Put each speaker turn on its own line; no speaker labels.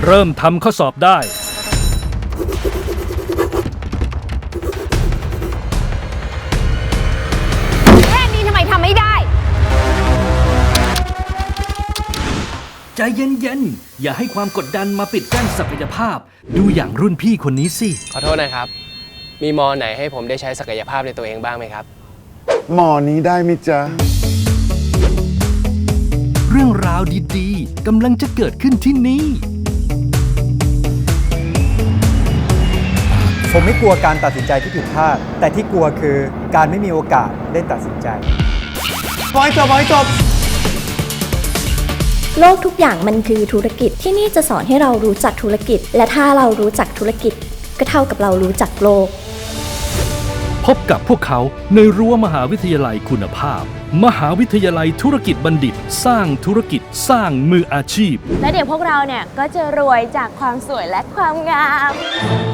เริ่มทำข้อสอบได้
แค่นี้ทำไมทำไม่ได้
ใจเย็นๆ อย่าให้ความกดดันมาปิดกั้นศักยภาพ ดูอย่างรุ่นพี่คนนี้สิ
ขอโทษนะครับ มีมอไหนให้ผมได้ใช้ศักยภาพในตัวเองบ้างไหมครับ
หมอนี้ได้มิจ๊ะ
เรื่องราวดีๆกำลังจะเกิดขึ้นที่นี่
ผมไม่กลัวการตัดสินใจที่ผิดพลาด แต่ที่กลัวคือการไม่มีโอกาสได้ตัดสินใจ
บอยจบ
โลกทุกอย่างมันคือธุรกิจที่นี่จะสอนให้เรารู้จักธุรกิจ และถ้าเรารู้จักธุรกิจก็เท่ากับเรารู้จักโลก
พบกับพวกเขาในรั้วมหาวิทยาลัยคุณภาพ มหาวิทยาลัยธุรกิจบัณฑิต สร้างธุรกิจสร้างมืออาชีพ
และเดี๋ยวพวกเราเนี่ยก็จะรวยจากความสวยและความงาม